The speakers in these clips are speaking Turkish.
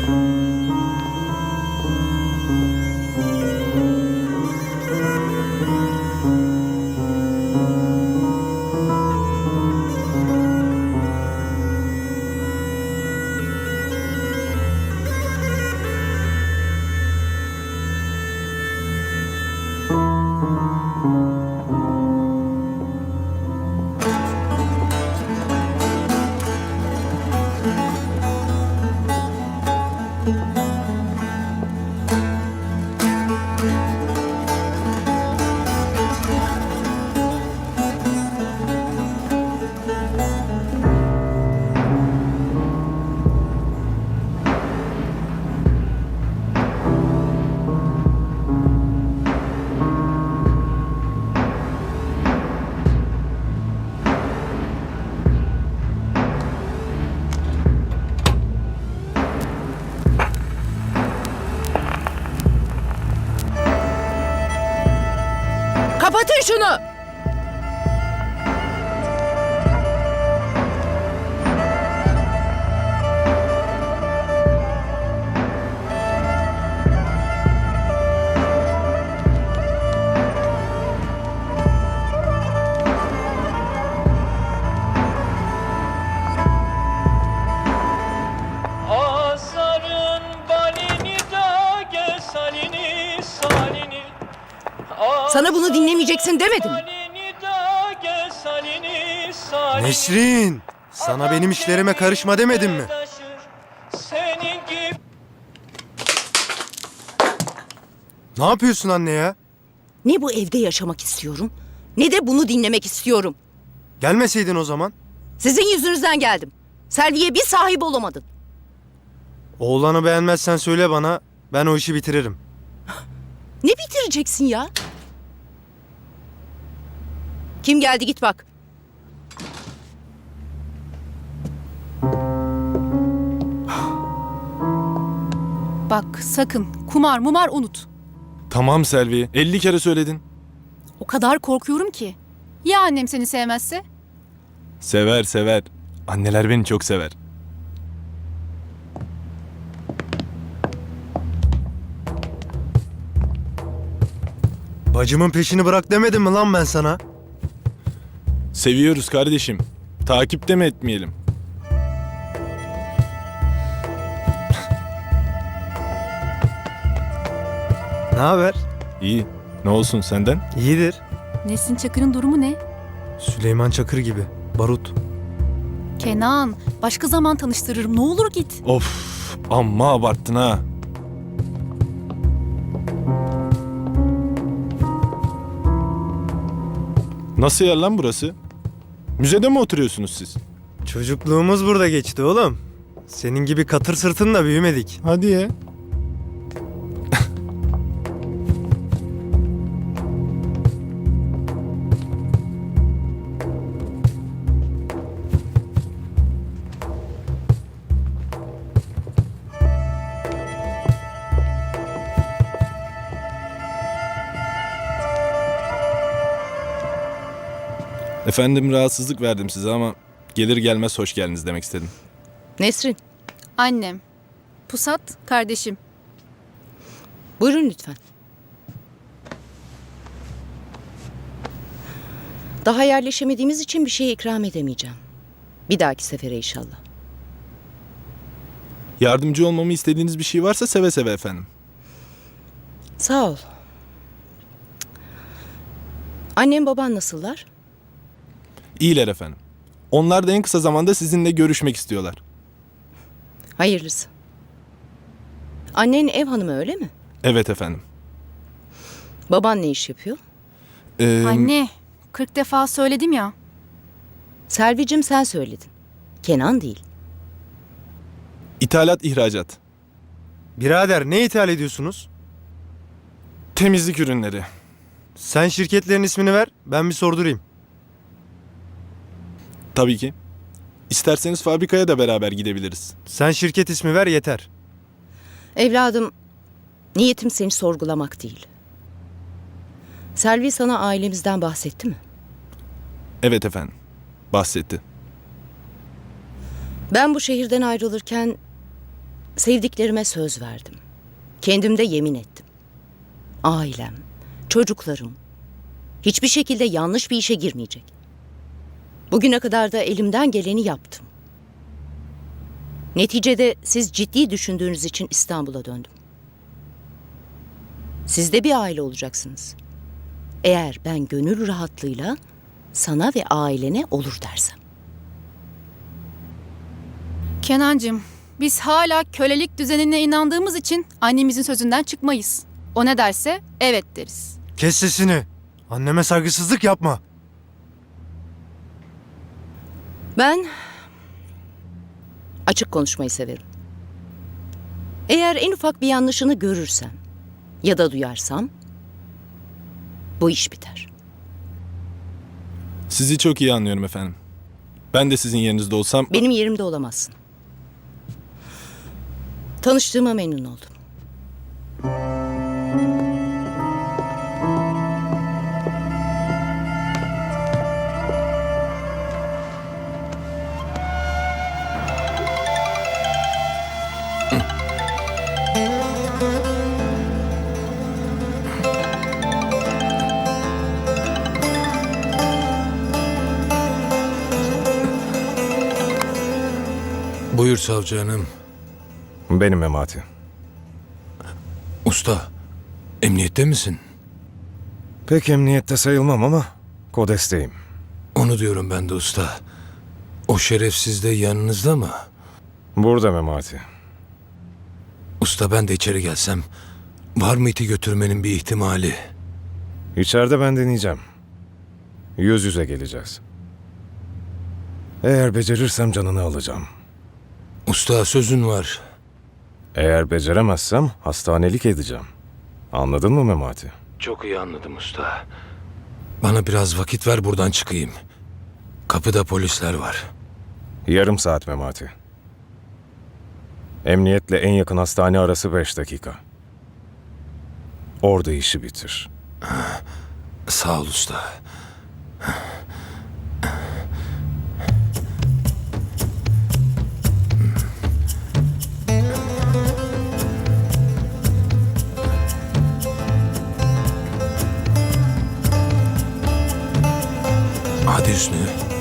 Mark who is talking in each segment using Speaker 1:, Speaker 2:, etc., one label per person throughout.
Speaker 1: Kapatın şunu!
Speaker 2: Azarın balini da gel salini salini.
Speaker 1: Sana bunu dinlemeyeceksin demedim mi?
Speaker 2: Balini da gel salini salini.
Speaker 3: Nesrin, sana benim işlerime karışma demedim mi?
Speaker 2: Senin gibi
Speaker 3: Ne yapıyorsun anne ya?
Speaker 1: Ne bu evde yaşamak istiyorum, ne de bunu dinlemek istiyorum.
Speaker 3: Gelmeseydin o zaman.
Speaker 1: Sizin yüzünüzden geldim. Selvi'ye bir sahip olamadın.
Speaker 3: Oğlanı beğenmezsen söyle bana, ben o işi bitiririm.
Speaker 1: Ne bitireceksin ya? Kim geldi git bak.
Speaker 4: Bak sakın kumar mumar unut.
Speaker 5: Tamam Selvi, 50 kere söyledin.
Speaker 4: O kadar korkuyorum ki. Ya annem seni sevmezse?
Speaker 5: Sever sever. Anneler beni çok sever.
Speaker 3: Bacımın peşini bırak demedim mi lan ben sana?
Speaker 5: Seviyoruz kardeşim. Takipte mi etmeyelim?
Speaker 3: Ne haber?
Speaker 5: İyi. Ne olsun senden?
Speaker 3: İyidir.
Speaker 4: Nesin Çakır'ın durumu ne?
Speaker 3: Süleyman Çakır gibi. Barut.
Speaker 4: Kenan, başka zaman tanıştırırım. Ne olur git.
Speaker 5: Of, amma abarttın ha. Nasıl yer lan burası? Müzede mi oturuyorsunuz siz?
Speaker 3: Çocukluğumuz burada geçti oğlum. Senin gibi katır sırtınla büyümedik.
Speaker 5: Hadi ya. Efendim rahatsızlık verdim size ama gelir gelmez hoş geldiniz demek istedim.
Speaker 1: Nesrin,
Speaker 4: Annem. Pusat, kardeşim.
Speaker 1: buyurun lütfen. Daha yerleşemediğimiz için bir şey ikram edemeyeceğim. Bir dahaki sefere inşallah.
Speaker 5: Yardımcı olmamı istediğiniz bir şey varsa seve seve efendim.
Speaker 1: Sağ ol. Annem baban nasıllar?
Speaker 5: İyiler efendim. Onlar da en kısa zamanda sizinle görüşmek istiyorlar.
Speaker 1: Hayırlısı. Annen ev hanımı öyle mi?
Speaker 5: Evet efendim.
Speaker 1: Baban ne iş yapıyor?
Speaker 4: Anne, 40 defa söyledim ya.
Speaker 1: Selvicim sen söyledin. Kenan değil.
Speaker 5: İthalat, ihracat.
Speaker 3: Birader ne ithal ediyorsunuz?
Speaker 5: Temizlik ürünleri.
Speaker 3: Sen şirketlerin ismini ver, ben bir sordurayım.
Speaker 5: Tabii ki. İsterseniz fabrikaya da beraber gidebiliriz.
Speaker 3: Sen şirket ismi ver yeter.
Speaker 1: Evladım, niyetim seni sorgulamak değil. Selvi sana ailemizden bahsetti mi?
Speaker 5: Evet efendim. Bahsetti.
Speaker 1: Ben bu şehirden ayrılırken sevdiklerime söz verdim. Kendimde yemin ettim. Ailem, çocuklarım hiçbir şekilde yanlış bir işe girmeyecek. Bugüne kadar da elimden geleni yaptım. Neticede siz ciddi düşündüğünüz için İstanbul'a döndüm. Siz de bir aile olacaksınız. Eğer ben gönül rahatlığıyla sana ve ailene olur dersem.
Speaker 4: Kenancığım, biz hala kölelik düzenine inandığımız için annemizin sözünden çıkmayız. O ne derse evet deriz.
Speaker 3: Kes sesini. Anneme saygısızlık yapma.
Speaker 1: Ben açık konuşmayı severim. Eğer en ufak bir yanlışını görürsem ya da duyarsam bu iş biter.
Speaker 5: Sizi çok iyi anlıyorum efendim. Ben de sizin yerinizde olsam...
Speaker 1: Benim yerimde olamazsın. Tanıştığıma memnun oldum.
Speaker 6: Buyur savcı hanım.
Speaker 7: Benim Memati.
Speaker 6: Usta, emniyette misin?
Speaker 7: Pek emniyette sayılmam ama kodesteyim.
Speaker 6: Onu diyorum ben de usta. O şerefsiz de yanınızda mı?
Speaker 7: Burada Memati.
Speaker 6: Usta ben de içeri gelsem, var mı iti götürmenin bir ihtimali?
Speaker 7: İçeride ben deneyeceğim. Yüz yüze geleceğiz. Eğer becerirsem canını alacağım.
Speaker 6: Usta sözün var.
Speaker 7: Eğer beceremezsem hastanelik edeceğim. Anladın mı Memati?
Speaker 6: Çok iyi anladım usta. Bana biraz vakit ver buradan çıkayım. Kapıda polisler var.
Speaker 7: Yarım saat Memati. Emniyetle en yakın hastane arası 5 dakika. Orada işi bitir.
Speaker 6: Sağ ol usta. Hadi Hüsnü.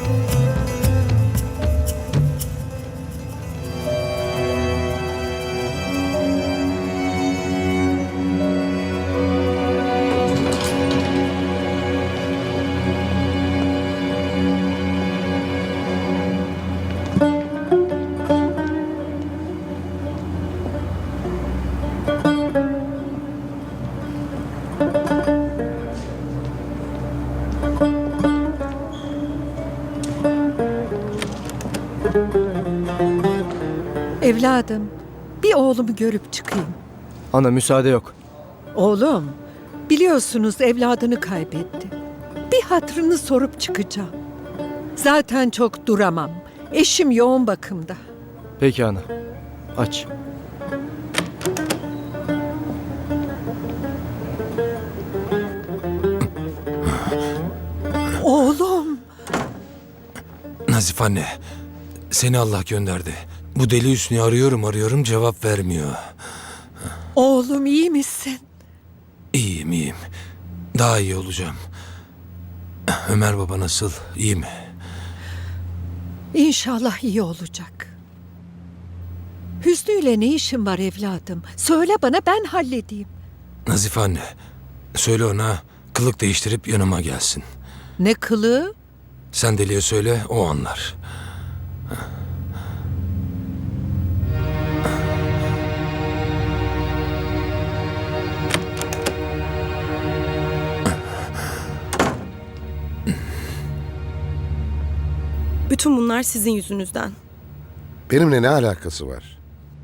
Speaker 8: Evladım, bir oğlumu görüp çıkayım.
Speaker 9: Ana müsaade yok.
Speaker 8: Oğlum, biliyorsunuz evladını kaybetti. Bir hatırını sorup çıkacağım. Zaten çok duramam. Eşim yoğun bakımda.
Speaker 9: Peki ana. Aç.
Speaker 8: Oğlum,
Speaker 6: Nazif anne, seni Allah gönderdi. Bu deli Hüsnü'yü arıyorum cevap vermiyor.
Speaker 8: oğlum iyi misin?
Speaker 6: İyiyim. Daha iyi olacağım. Ömer baba nasıl? İyi mi?
Speaker 8: İnşallah iyi olacak. Hüsnü ile ne işin var evladım? Söyle bana, ben halledeyim.
Speaker 6: Nazif anne, söyle ona kılık değiştirip yanıma gelsin.
Speaker 8: Ne kılığı?
Speaker 6: Sen deliye söyle, o anlar.
Speaker 10: Bütün bunlar sizin yüzünüzden.
Speaker 11: Benimle ne alakası var?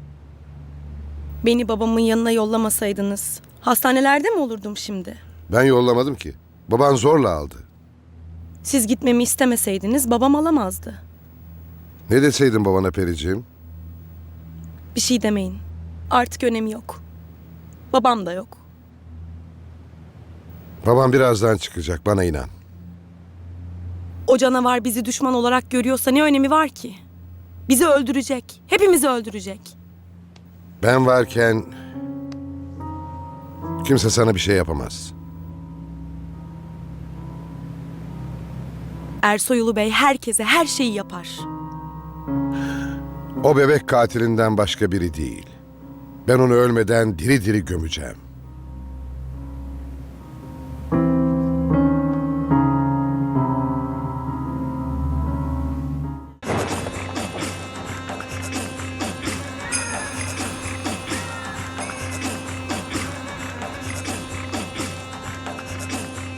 Speaker 10: Beni babamın yanına yollamasaydınız hastanelerde mi olurdum şimdi?
Speaker 11: Ben yollamadım ki. Baban zorla aldı.
Speaker 10: Siz gitmemi istemeseydiniz babam alamazdı.
Speaker 11: Ne deseydin babana Periciğim?
Speaker 10: Bir şey demeyin. Artık önemi yok. Babam da yok.
Speaker 11: Babam birazdan çıkacak, bana inan.
Speaker 10: O canavar bizi düşman olarak görüyorsa ne önemi var ki? Bizi öldürecek. Hepimizi öldürecek.
Speaker 11: Ben varken kimse sana bir şey yapamaz.
Speaker 10: Ersoyulu Bey herkese her şeyi yapar.
Speaker 11: O bebek katilinden başka biri değil. Ben onu ölmeden diri diri gömeceğim.